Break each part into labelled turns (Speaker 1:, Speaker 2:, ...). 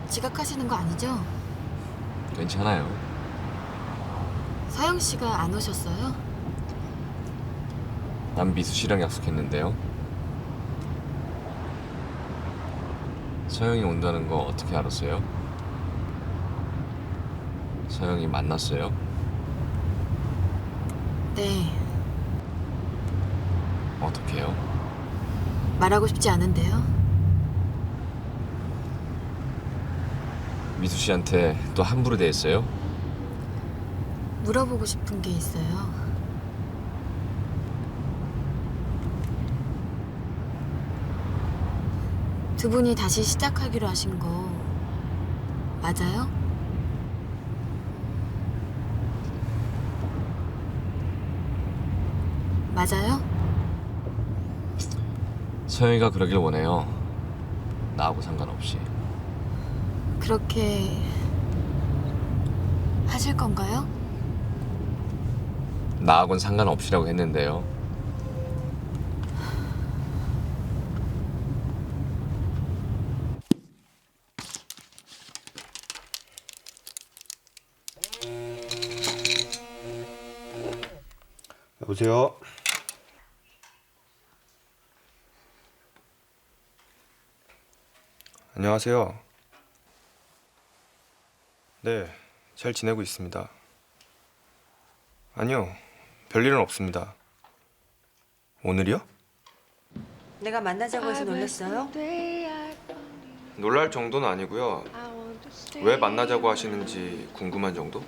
Speaker 1: 지각하시는 거 아니죠?
Speaker 2: 괜찮아요.
Speaker 1: 서영 씨가 안 오셨어요?
Speaker 2: 난 미수 씨랑 약속했는데요. 서영이 온다는 거 어떻게 알았어요? 서영이 만났어요?
Speaker 1: 네,
Speaker 2: 어떻게요?
Speaker 1: 말하고 싶지 않은데요.
Speaker 2: 미수 씨한테 또 함부로 대했어요?
Speaker 1: 물어보고 싶은 게 있어요. 두 분이 다시 시작하기로 하신 거 맞아요? 맞아요?
Speaker 2: 서영이가 그러길 원해요. 나하고 상관없이.
Speaker 1: 그렇게 하실 건가요?
Speaker 2: 나하고는 상관없이라고 했는데요.
Speaker 3: 여보세요? 안녕하세요. 네, 잘 지내고 있습니다. 아니요, 별일은 없습니다. 오늘이요?
Speaker 4: 내가 만나자고 해서 놀랐어요?
Speaker 3: 놀랄 정도는 아니고요. 왜 만나자고 하시는지 궁금한 정도?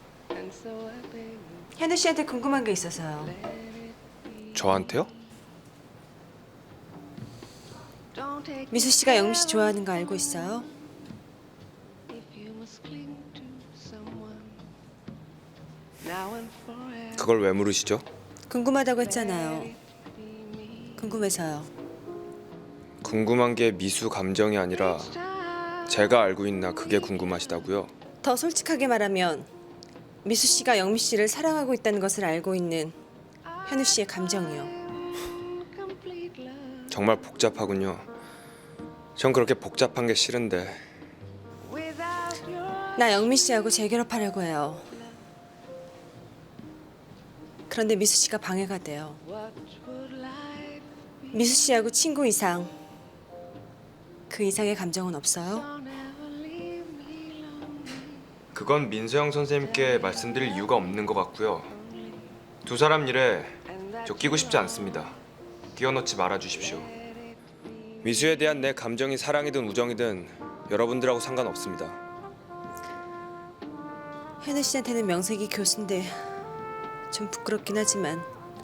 Speaker 4: 현우 씨한테 궁금한 게 있어서요.
Speaker 3: 저한테요?
Speaker 4: 미수 씨가 영미 씨 좋아하는 거 알고 있어요?
Speaker 3: 그걸 왜 물으시죠?
Speaker 4: 궁금하다고 했잖아요. 궁금해서요.
Speaker 3: 궁금한 게 미수 감정이 아니라 제가 알고 있나 그게 궁금하시다고요?
Speaker 4: 더 솔직하게 말하면 미수 씨가 영미 씨를 사랑하고 있다는 것을 알고 있는 현우 씨의 감정이요.
Speaker 3: 정말 복잡하군요. 전 그렇게 복잡한 게 싫은데.
Speaker 4: 나 영미 씨하고 재결합하려고 해요. 그런데 미수 씨가 방해가 돼요. 미수 씨하고 친구 이상, 그 이상의 감정은 없어요?
Speaker 3: 그건 민서영 선생님께 말씀드릴 이유가 없는 것 같고요. 두 사람 일에 저 끼고 싶지 않습니다. 끼워넣지 말아주십시오. 미수에 대한 내 감정이 사랑이든 우정이든 여러분들하고 상관없습니다.
Speaker 4: 현우 씨한테는 명색이 교수인데 좀 부끄럽긴 하지만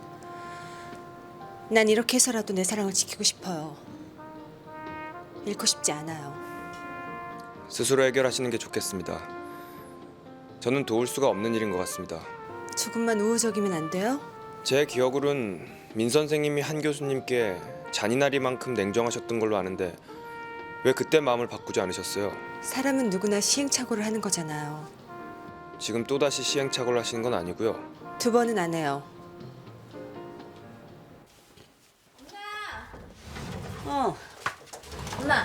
Speaker 4: 난 이렇게 해서라도 내 사랑을 지키고 싶어요. 잃고 싶지 않아요.
Speaker 3: 스스로 해결하시는 게 좋겠습니다. 저는 도울 수가 없는 일인 것 같습니다.
Speaker 4: 조금만 우호적이면 안 돼요?
Speaker 3: 제 기억으론 민 선생님이 한 교수님께 잔인하리만큼 냉정하셨던 걸로 아는데 왜 그때 마음을 바꾸지 않으셨어요?
Speaker 4: 사람은 누구나 시행착오를 하는 거잖아요.
Speaker 3: 지금 또다시 시행착오를 하시는 건 아니고요.
Speaker 4: 두 번은 안 해요.
Speaker 1: 엄마,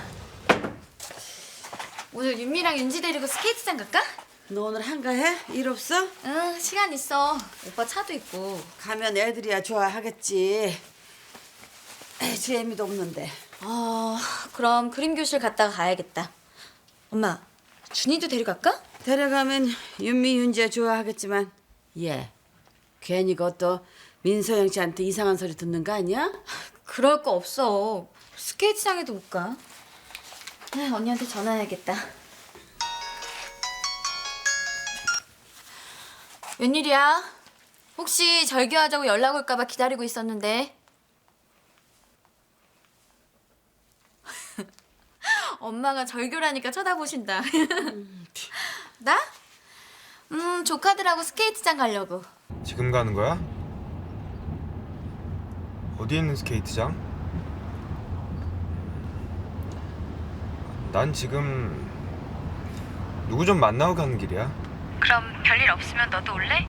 Speaker 1: 오늘 윤미랑 윤지 데리고 스케이트장 갈까?
Speaker 5: 너 오늘 한가해? 일 없어?
Speaker 1: 응, 시간 있어. 오빠 차도 있고.
Speaker 5: 가면 애들이야 좋아하겠지. 재미도 없는데.
Speaker 1: 그럼 그림 교실 갔다가 가야겠다. 엄마, 준이도 데려갈까?
Speaker 5: 데려가면 윤미, 윤지야 좋아하겠지만 얘 괜히 그것도 민서영 씨한테 이상한 소리 듣는 거 아니야?
Speaker 1: 그럴 거 없어. 스케이트장에도 못 가. 언니한테 전화해야겠다. 웬일이야? 혹시 절교하자고 연락 올까 봐 기다리고 있었는데. 엄마가 절교라니까 쳐다보신다. 나? 조카들하고 스케이트장 가려고.
Speaker 3: 지금 가는 거야? 어디 있는 스케이트장? 난 지금 누구 좀 만나고 가는 길이야.
Speaker 1: 그럼 별일 없으면 너도 올래?